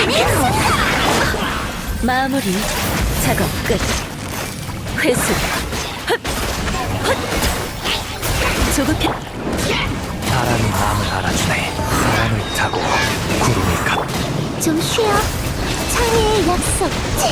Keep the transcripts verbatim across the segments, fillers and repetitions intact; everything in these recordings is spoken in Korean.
마무리. 작업 끝. 회수. 헛! 헛! 조급해. 바람이 마음을 알아주네. 바람을 타고 구름이 가. 좀 쉬어. 창의의 약속.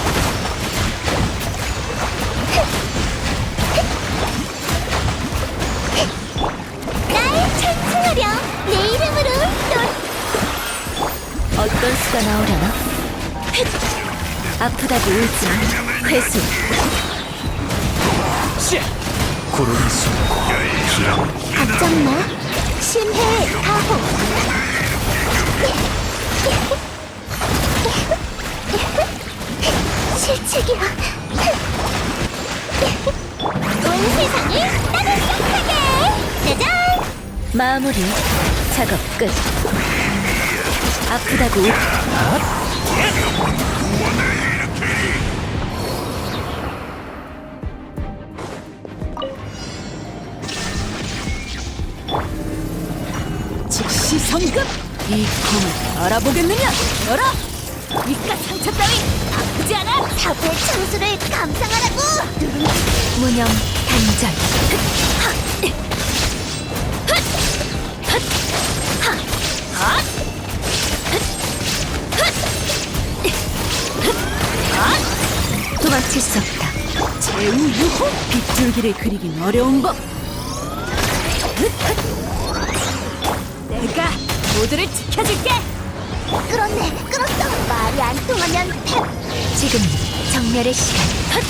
날 찬송하렴. 내 이름으로 또 어떤 수가 나오려나? 헷! 아프다고 울지 마. 회수. 구름이 숨고 기력. 걱정 마. 심해 가호. 실책이야. 온 세상이 따뜻하게. 짜잔. 마무리. 작업 끝. 아프다고 울... 즉시 성급! 이 검을 알아보겠느냐? 열어! 이깟 상처 따위 아프지 않아? 사고의 창수를 감상하라고. 무념 단절. 도망칠 수 없다. 제우 유호! 빗줄기를 그리긴 어려운 법! 내가 모두를 지켜줄게! 끌었네, 끌었어. 말이 안 통하면 패. 지금 정멸의 시간. 헛!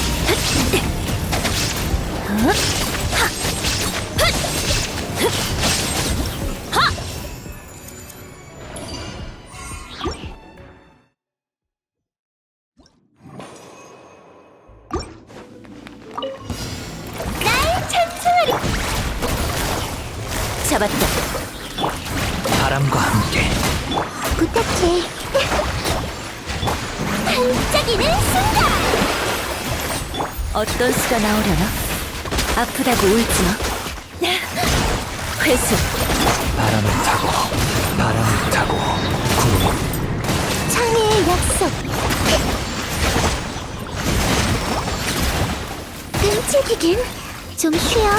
헛! 헛! 하! 헛! 헛! 하! 날 찬송하리. 잡았다. 바람과 함께 부탁해. 반짝이는 순간. 어떤 수가 나오려나? 아프다고 울지 마. 회수. 바람을 타고 바람을 타고 구름. 창의의 약속. 끔찍이긴. 좀 쉬어.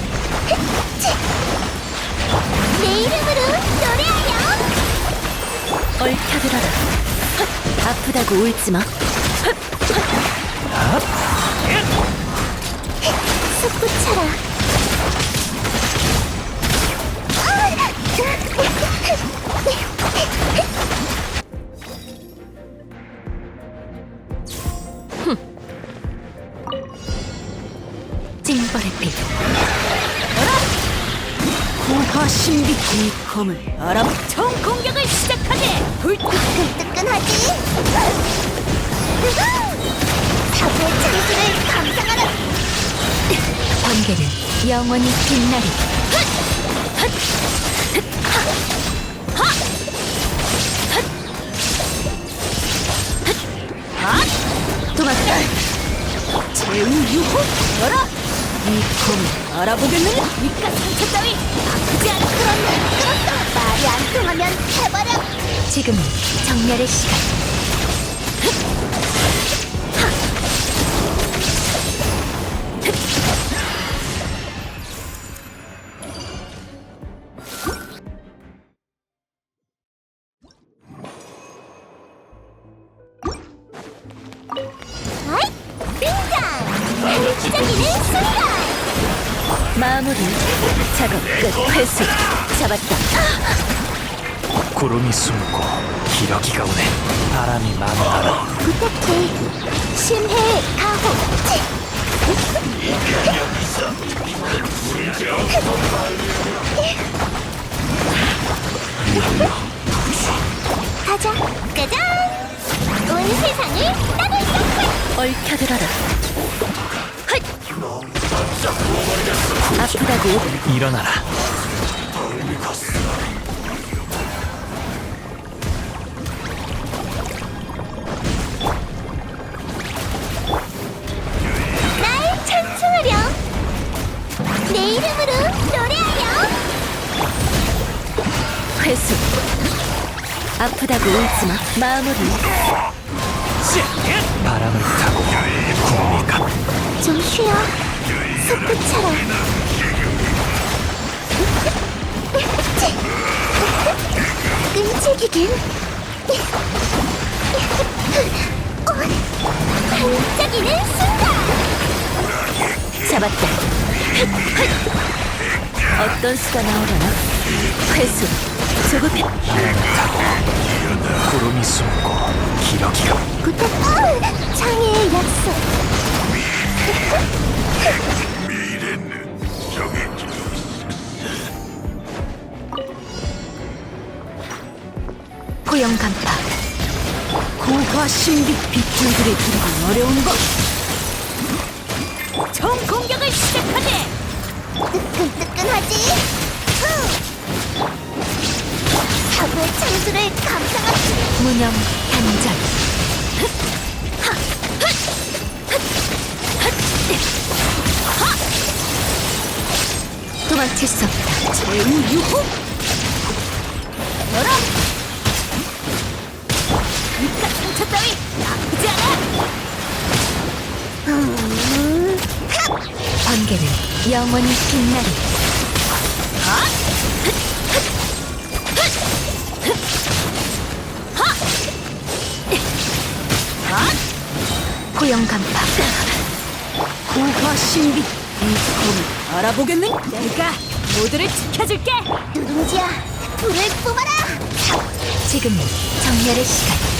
내 이름으로 노래하렴. 얽혀들어라. 헛! 아프다고 울지 마. 솟구쳐라. 징벌의 피. 고화신비 이 검을 알아보 총 공격을 시작하게! 불뜨! 뜨끈뜨끈하지? 사고의 창수를 감상하라. 번개는 영원히 빛나리. 도망가. 제우 유호! 열어! 이 검을 알아보겠느냐? 이깟 상처 따위 아프지 않아? 끌었네, 끌었어. 말이 안 통하면 해버려. 지금 정멸의 시간. 아이, 등장. 반짝이는 순간. 마무리. 작업 끝. 회수. 잡았다. 구름이 숨고 기러기가 오네. 바람이 마음을 알아. 부탁해. 심해 가호. 가자. 짜잔. 온 세상을 따뜻하게. 얽혀들어라. 헛! 아프다고 일어나라. 날 찬송하렴. 내 이름으로 노래하렴. 회수. 아프다고 울지마. 마무리. 바람을 타고 구름이 가. 좀 쉬어. 솟구쳐라. 끈질기긴. 어, 반짝이는 순간. 잡았다. 어떤 수가 나오려나? 회수. 조급해. 바람을 타고 구름이 숨고 기러기가 부탁. 어, 장애의 약속. 포영 간파. 고화 신비 빗줄들이 들기 어려운 것. 총 공격을 시작하지. 뜨끈뜨끈하지? 후! 사고의 창수를 감상하지. 무념 단절. 도망칠 수 없다. 제우유호. 열어. 그깟 상처 따위 나쁘지 않아. 음, 번개는 영원히 빛나리. 포영 간파. 고화 신비 이 검을 알아보겠는? 내가 모두를 지켜줄게. 누룽지야, 불을 뿜어라. 지금은 정렬의 시간.